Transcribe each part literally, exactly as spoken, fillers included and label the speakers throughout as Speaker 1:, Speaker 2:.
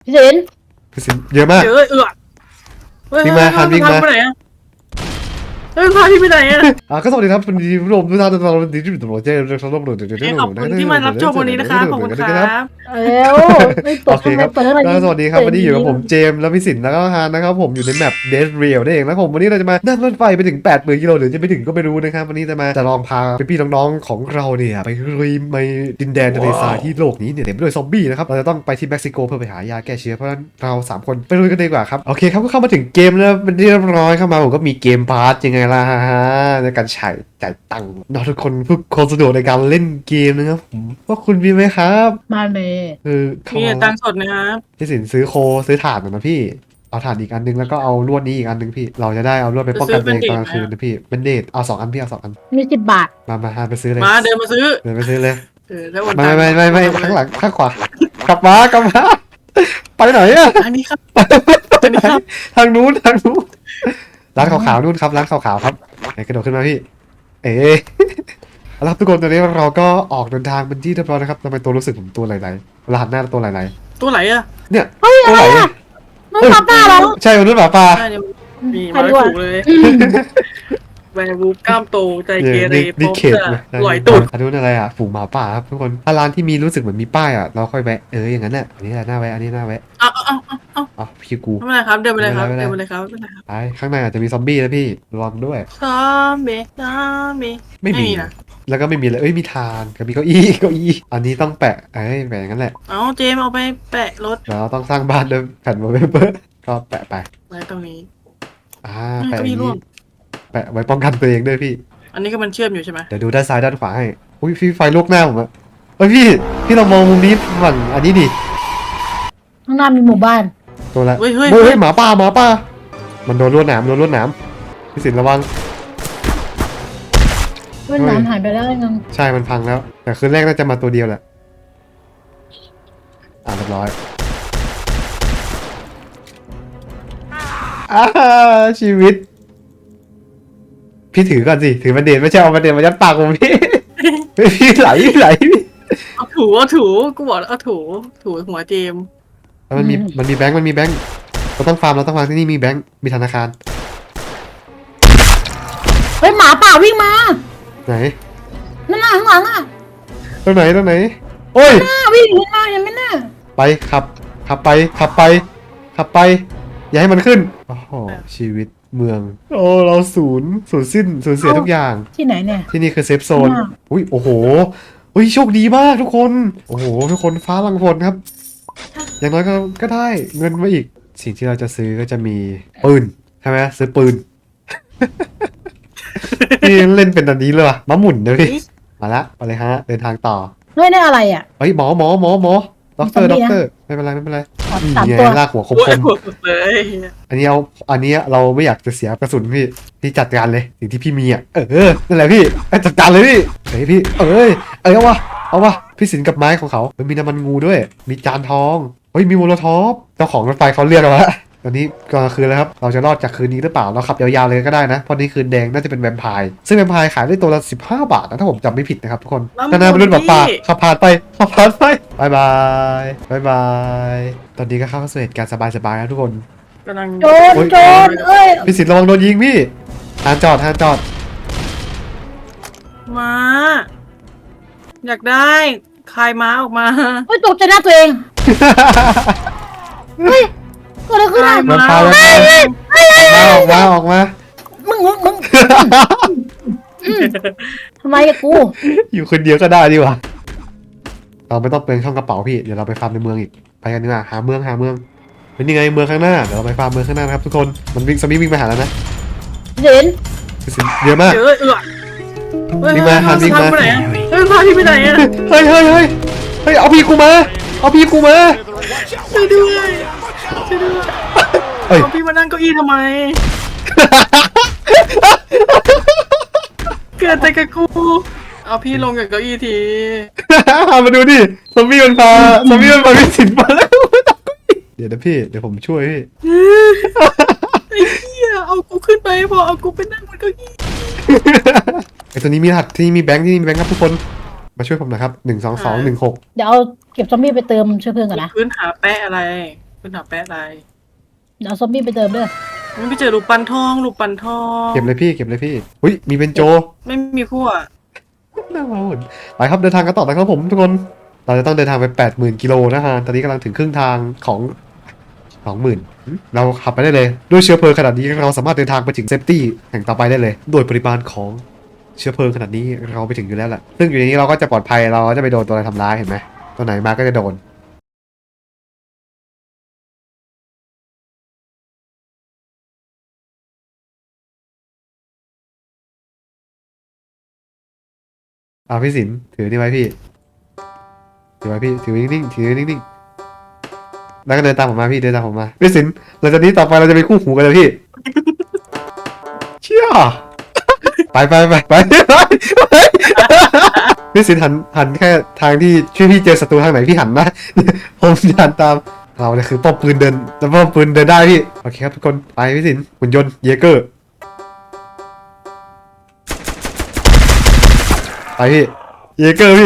Speaker 1: พี่สิน
Speaker 2: พี่สินเยอะมาก
Speaker 3: เยอะเอือ
Speaker 2: วิ่งมาคันวิ่งมา
Speaker 3: ไปไหนอะเฮ้ยพาพี่ไปไหนอะ
Speaker 2: อ่ะก็สวัสดีครับวันนี้ผู้ชมทุกท่านทุกท่านวันนี้ที่อยู่ตรงเจอร์ชอบรับรู้เดี๋ยวเดี๋ยว
Speaker 3: ขอบคุณที่มารับชมวันนี้นะคะขอบคุณครับ
Speaker 1: เร็วไม่ต
Speaker 2: โอก เค
Speaker 1: ทำไม
Speaker 2: ครับ
Speaker 1: เปิดอะไร
Speaker 2: สวัสดีครับวันนี้อยู่กับผมเจมส์และพี่สินแล้วก็ฮานนะครับผมอยู่ในแมป Dead Rail นั่นเองแล้วผมวันนี้เราจะมานั่งรถไฟไปถึง แปดหมื่น กิโลหรือจะไปถึงก็ไม่รู้นะครับวันนี้จะมาจะลองพาพี่ๆน้องๆของเราเนี่ยไปลุยในดินแดนทะเลทรายที่โลกนี้เนี่ยเต็มไปด้วยซอมบี้นะครับเราจะต้องไปที่เม็กซิโกเพื่อไปหายาแก้เชื้อเพราะฉะนั้นเราสามคนไปลุยกันดีกว่าครับโอเคครับก็เข้ามาถึงเกมแล้วเป็นที่เรียบร้อยเข้ามาผมก็มีเกมพาร์ทยังไงล่ะฮะในการใช้จ่ายตังค์น้องทุกคนเพื่อความสะดวกในการเล่นเกมนะครับผมว่าคุณมีไหมครับ
Speaker 1: มาเลย
Speaker 2: คือเข้า
Speaker 3: มี
Speaker 2: มา
Speaker 3: ตังค์สดนะครับ
Speaker 2: พี่สินซื้อโคซื้อถ่านหน่อยนะพี่เอาถ่านอีกอันนึงแล้วก็เอาลวดนี้อีกอันนึงพี่เราจะได้เอาลวดไปป้องกันตัวเองตอนกลางคืนนะพี่เป็นเดทเอาสองอันพี่เอาสองอัน
Speaker 1: มีสิบบาท
Speaker 2: มามาหาไปซื้อเลย
Speaker 3: มาเดินมาซื้อ
Speaker 2: เดินไปซื้อเลย
Speaker 3: เออแล้ววัน
Speaker 2: ไม่ไม่ไม่ไม่ไม่ข้างหลังข้างขวากลับมากลับมาไปไหนอะ
Speaker 3: อันนี้ครับอันนี้ครับ
Speaker 2: ทางนู้นทางนู้นร้านขาวๆนู่นครับร้านขาวๆครับไหนกระโดดขึ้นมาพี่เอ๊ะเอาละครับทุกคนตอนนี้เราก็ออกเดินทางเป็นที่เรียบร้อยนะครับทำไมตัวรู้สึกผมตัวไหลๆเวลาหันหน้าตัวไหล
Speaker 3: ตัวไหนอะ
Speaker 2: ๆเนี่ย
Speaker 1: เฮ้ย
Speaker 2: ตั
Speaker 1: อะ
Speaker 2: ว
Speaker 1: ไร
Speaker 2: ไหล
Speaker 1: อ่ะมันมาป้าเรา
Speaker 2: ใช่มนุษย์หมาป่า
Speaker 3: ใช่เนี่ยมีมาถูกเลยแวร์วูฟกล้ามโตใจเกเร
Speaker 2: นี่
Speaker 3: พบ
Speaker 2: เขต
Speaker 3: จะ
Speaker 2: นะ
Speaker 3: ลอยตุด
Speaker 2: อันนู้นอะไรอ่ะฝูงหมาป่าครับทุกคนถ้าร้านที่มีรู้สึกเหมือนมีป้ายอ่ะเราค่อยแวะเอออย่างนั้นแหละอันนี้แหละหน้าแวะอันนี้หน้าแวะ
Speaker 3: เอาเอาเอาเอาเอา
Speaker 2: อ๋อพี่กู
Speaker 3: ไม่เป็นไรครับเดินไปเลยครับ
Speaker 2: ไม่
Speaker 3: เดิ
Speaker 2: เป็น นไร
Speaker 3: ไปเลยครับไม่เป็นไรครับ
Speaker 2: ไปข้างในอาจจะมีซอมบี้นะพี่ระวังด้วย
Speaker 3: ซอมบี้ซอมบี้
Speaker 2: ไม่มี
Speaker 3: นะ
Speaker 2: แล้วก็ไม่มีเลยเอ้ยมีทานกับมีเก้าอี้เก้าอี้อันนี้ต้องแปะเอ้ยแปะอย่างนั้นแหละ
Speaker 3: เอาเจมเอาไปแปะรถ
Speaker 2: แล้วต้องสร้างบ้านด้วยแผ่นวอลเปเปอร์ก็แปะไป
Speaker 3: ไว้ตรงนี้
Speaker 2: อ่า
Speaker 3: อืม
Speaker 2: แปะอ
Speaker 3: เก้าอี้
Speaker 2: ย่าง
Speaker 3: ร่ว
Speaker 2: นี้
Speaker 3: ง
Speaker 2: แปะไว้ป้องกันตัวเองด้วยพี่
Speaker 3: อันนี้ก็มันเชื่อมอยู่ใช่ไหม
Speaker 2: เดี๋ยวดูด้านซ้ายด้านขวาให้อุ้ยพี่ไฟลุกหน้าผมอะเฮ้ยพี่พี่เรามองมุมนี้ฝั่งอันนี้ดิ
Speaker 1: ข้างหน้ามีหมู่บ้าน
Speaker 2: ตัวละ
Speaker 3: เฮ้ยเฮ้ย
Speaker 2: เฮ้ย
Speaker 3: เฮ้
Speaker 2: เฮ้
Speaker 3: ย
Speaker 2: ยหมาป่าหมาป่ามันโดนลวดหนามโดนลวดหนามพี่สินระวัง
Speaker 1: เพื่อนน้ำหายไปแล้วยัง
Speaker 2: ใช่มันพังแล้ว แต่คืนแรกน่าจะมาตัวเดียวแหละอ่าเรียบร้อยอ่าชีวิต พี่ถือก่อนสิถือประเด็นไม่ใช่เอาประเด็นมายัดปากผมพี่ พี่ไหลไหลพี่
Speaker 3: เอาถูเอาถูกูบอกแล้วเอาถูถูหัวเจม
Speaker 2: แล้วมันมีมันมีแบงค์มันมีแบงค์เราต้องฟาร์มเราต้องฟาร์มที่นี่มีแบงค์มีธนาคาร
Speaker 1: เฮ้ยหมาป่าวิ่งมา
Speaker 2: ไหน
Speaker 1: นั่นน่ะข้างหลังอ่ะ
Speaker 2: ตรงไหนตรงไหนโอ้ย
Speaker 1: หน้าวิ่งขึ้นมายังไม่น่า
Speaker 2: ไปขับขับไปขับไปขับไป อย่าให้มันขึ้นโอ้โหชีวิตเมือง โอ้เราศูนย์ศูนย์สิ้นสูญเสียทุกอย่าง
Speaker 1: ที่ไหนเนี่ย
Speaker 2: ที่นี่คือเซฟโซน
Speaker 1: มาก
Speaker 2: อุ้ยโอ้โหอุ้ยโชคดีมากทุกคน โอ้โหทุกคนฟ้าลังฝนครับ อย่างน้อยก็ก็ได้เงินมาอีก สิ่งที่เราจะซื้อก็จะมีปืนใช่ไหมซื้อปืน นี่เล่นเป็นอันนี้เลยว่ะมะหมุนเดี๋ยวพี่มาละไปเลยฮะเดินทางต่อ
Speaker 1: เฮ้ยนี่อะไรอ่ะ
Speaker 2: เฮ้ยหมอหมอหมอหมอด็อกเตอร์
Speaker 1: ซ
Speaker 2: ด็
Speaker 1: อ
Speaker 2: อ
Speaker 1: ม
Speaker 2: ก
Speaker 1: บี้
Speaker 2: เตอร์ไม่เป็นไรไม่เป็นไร
Speaker 1: สาม
Speaker 2: นี่
Speaker 1: สาม
Speaker 2: ไง
Speaker 1: ตัว
Speaker 2: ลากหัวคม
Speaker 3: โอ้
Speaker 2: ค
Speaker 3: ย
Speaker 2: ม
Speaker 3: หัวสุดเลย
Speaker 2: อันนี้เอาอันนี้เราไม่อยากจะเสียกระสุนพี่พี่จัดการเลยสิ่งที่พี่มีอ่ะเออนั่นแหละพี่ไปจัดการเลยพี่เฮ้ยพี่เอ้ยเอ้ยเอาวะเอาวะพี่สินกับไม้ของเขามันมีน้ำมันงูด้วย มีจานทองเฮ้ยมีโมโลทอฟเจ้าของรถไฟเขาเรียกเอาละตอนนี้ก็คือแล้วครับเราจะรอดจากคืนนี้หรือเปล่าเราขับยาวๆเลยก็ได้นะเพราะนี่คืนแดงน่าจะเป็นแวมไพร์ซึ่งแวมไพร์ขายได้ตัวละสิบห้าบาทนะถ้าผมจำไม่ผิดนะครับทุกคนนานาเป็นรุ่นหมาป่าขับผ่านไปขับผ่านไปบายบายบายบายตอนนี้ก็เข้าสู่เหตุการณ์สบายๆนะทุกคน
Speaker 3: กำลัง
Speaker 1: โจรโจรเอ้ย
Speaker 2: พี่สิทธิ์ระวังโดนยิงพี่หานจอดหานจอด
Speaker 3: มาอยากได้คลายม้าออกมา
Speaker 1: เฮ้ยตกใจหน้าตัวเองเฮ้ยเกิดอะไรขึ้นอ่ะ
Speaker 2: มันพาแล้วมาออกมาออกมา
Speaker 1: มึงมึงมึงอืมทำไมอะกู
Speaker 2: อยู่คนเดียวก็ได้ดีกว่าเราไม่ต้องเปลืองช่องกระเป๋าพี่เดี๋ยวเราไปฟาร์มในเมืองอีกไปกันดีกว่าหาเมืองหาเมืองเป็นยังไงเมืองข้างหน้าเดี๋ยวเราไปฟาร์มเมืองข้างหน้านะครับทุกคนมันวิ่งสมิวิ่งมาหาแล้วนะ
Speaker 1: เห็น
Speaker 2: พี่สิทธิ์เยอะมาก
Speaker 3: เยอะเอือเฮ้ย
Speaker 2: วิ่งมาหันวิ่งมา
Speaker 3: พไปไหนอะเฮ้ยพาพี่ไปไหนอะ
Speaker 2: เฮ้ยเฮ้ยเฮ้ยเฮ้ยเอาพี่กูมาเอาพี่กูมา
Speaker 3: ช่วยด้วยช่วยด้วย
Speaker 2: เฮ้ย
Speaker 3: เอาพี่มานั่งเก้าอี้ทำไม เกิดแต่กับกู เอาพี่ลงจากเก้าอี้ที
Speaker 2: มาดูดิซอมบี้มันพาซอมบี้มันพาพี่สิทธิ์มาแล้วเดี๋ยวนะพี่เดี๋ยวผมช่วยพี่
Speaker 3: ไอ้เหี้ยเอากูขึ้นไปพอเอากูไปนั่งบนเก้าอี้
Speaker 2: ไอตัวนี้มีรหัสที่นี่มีแบงค์ที่นี่มีแบงค์ครับทุกคนมาช่วยผมหน่อยครับหนึ่งสองสองหนึ่งหก
Speaker 1: เดี๋ยวเอาเก็บซอมบี้ไปเติมเชื้อเพลิงก่อนนะ
Speaker 3: พื้นหาแปะอะไรเป็นหาแปะลาย
Speaker 1: เดี๋ยวเอาซอมบี้ไปเติมด้วย
Speaker 3: มันไปเจอลูกปันทองลูกปันทอง
Speaker 2: เก็บเลยพี่เก็บเลยพี่อุ้ยมีเป็นโจ
Speaker 3: ไม่มีคู่อ่ะ
Speaker 2: น่ามาหุ่นไปครับเดินทางกันต่อนะครับผมทุกคนเราจะต้องเดินทางไปแปดหมื่นกิโลนะฮะตอนนี้กำลังถึงครึ่งทางของสองหมื่นเราขับไปได้เลยด้วยเชื้อเพลิงขนาดนี้เราสามารถเดินทางไปถึงเซฟตี้แห่งต่อไปได้เลยโดยปริมาณของเชื้อเพลิงขนาดนี้เราไปถึงอยู่แล้วแหละซึ่งอยู่ในนี้เราก็จะปลอดภัยเราจะไปโดนตัวอะไรทำร้ายเห็นไหมตัวไหนมาก็จะโดนเอาพี่สินถือนี่ไว้พี่ถือไว้พี่ถือนิ่งๆถือนิ่งๆแล้วก็เดินตามผมมาพี่เดินตามผมมาพี่สินหลังจากนี้ต่อไปเราจะเป็นคู่หูกันเลยพี่ เชี่ยไปไปไปไปไปพี่สินหันหันแค่ทางที่ช่วยพี่เจอศัตรูทางไหนพี่หันนะ ผมจะหันตามเราเนี่ยคือป้อมปืนเดินแต่ป้อมปืนเดินได้พี่โอเคครับทุกคนไปพี่สินหุ่นยนต์เยเกอร์ไปพี่เยเกอร์พี่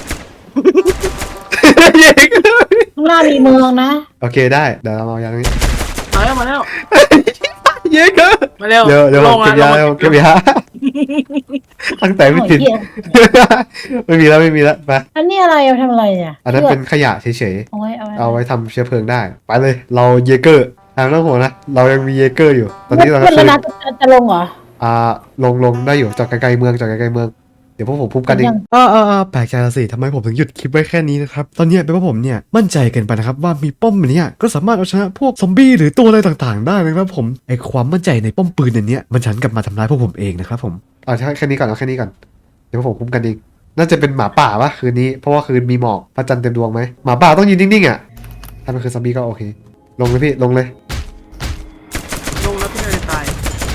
Speaker 2: เยเกอร์พี่
Speaker 1: ข้างหน้ามีเมืองนะ
Speaker 2: โอเคได้เดี๋ยวเราเอาอย่างนี้
Speaker 3: มาแล้วมาแล้ว
Speaker 2: เยเกอร์
Speaker 3: มาเร็ว
Speaker 2: เดี๋ยวเดี๋ยว
Speaker 3: ล
Speaker 2: ผม
Speaker 3: ง
Speaker 2: เก็บยา
Speaker 3: มา
Speaker 2: เดี๋ยวผมเก็บยาตั้งแต่พี่สิน ไม่มีแล้วไม่มีแล้วไป
Speaker 1: อันนี้อะไรเอาทำอะไรเนี่ย
Speaker 2: อันนั้นเป็นขยะเฉย
Speaker 1: เอาไว้เอาไว้
Speaker 2: ๆ เอาไว้ทำเชื้อเพลิงได้ ไปเลย เราเยเกอร์ทางต้องห่วงนะ เรายังมีเยเกอร์อยู่ ตอนนี้เรา
Speaker 1: ขึ้น
Speaker 2: เค
Speaker 1: แล้ว
Speaker 2: ย
Speaker 1: นะจะจะลงเหรอ
Speaker 2: อ่า ลงลงได้อยู่จอดไกลๆเมืองจอดไกลๆเมือง เดี๋ยวพวกผมพุ่มกันเอง
Speaker 1: ยัง
Speaker 2: อ่าอ่าอ่าแปลกใจละสิทำไมผมถึงหยุดคลิปไว้แค่นี้นะครับ ตอนนี้เป็นเพราะผมเนี่ยมั่นใจเกินไปนะครับว่ามีป้อมเนี้ยก็สามารถเอาชนะพวกซอมบี้หรือตัวอะไรต่างๆ ได้นะครับผม ไอความมั่นใจในป้อมปืนเนี่ยมันฉันกลับมาทำร้ายพวกผมเองนะครับผมเอาแค่นี้ก่อนเอาแค่นี้ก่อน เดี๋ยวพวกผมพุ่มกันเอง น่าจะเป็นหมาป่าวะคืนนี้เพราะว่าคืนมีหมอกพระจันทร์เต็มดวงไหมหมาป่าต้องยืนนิ่งๆอ่ะถ้ามันคือซอมบี้ก็โอเค ลงเลยพี่ลงเลย
Speaker 3: ลงแล้วพี่เลยตาย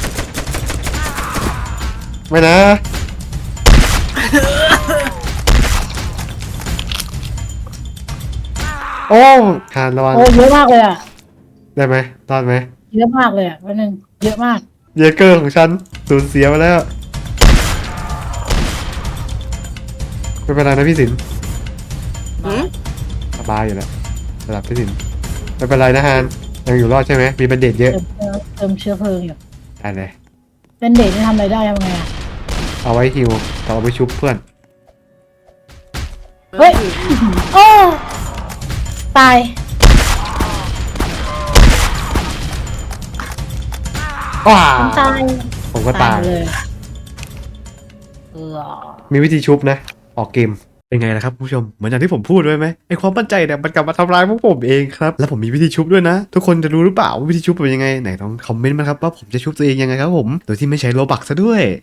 Speaker 2: ไม่นะ โอ้หานระวัง
Speaker 1: โอ้เยอะมากเลยอ่ะ
Speaker 2: ได้ไหมรอดไหม
Speaker 1: เยอะมากเลยอ่ะวันหนึ่งเยอะมาก
Speaker 2: เยเกอร์ของฉันสูญเสียไปแล้วไม่เป็นไรนะพี่สิน
Speaker 3: หืม
Speaker 2: สบายอยู่แล้วระดับพี่สินไม่เป็นไรนะฮานยังอยู่รอดใช่ไหมมีบันเดตเยอะ
Speaker 1: เติมเติมเติมเชื้อเพลิงอยู่
Speaker 2: ได้เลย
Speaker 1: เป็นเด็กนี่ทำอะไรได้ทำไงอ่ะ
Speaker 2: เอาไว้ฮิวกับเอาไว้ชุบเพื่อน
Speaker 1: เฮ้ย โอ้ตาย
Speaker 2: ว้า
Speaker 1: ผมตาย
Speaker 2: ผมก็ตาย
Speaker 1: เลยเออ
Speaker 2: มีวิธีชุบนะ ออกเกม เป็นไงล่ะครับผู้ชม เหมือนอย่างที่ผมพูดไว้ไหมไอความมั่นใจเนี่ยมันกลับมาทำร้ายพวกผมเองครับ แล้วผมมีวิธีชุบด้วยนะ ทุกคนจะรู้หรือเปล่าว่าวิธีชุบเป็นยังไง ไหนต้องคอมเมนต์มาครับว่าผมจะชุบตัวเองยังไงครับผม โดยที่ไม่ใช้โลบักซะด้วย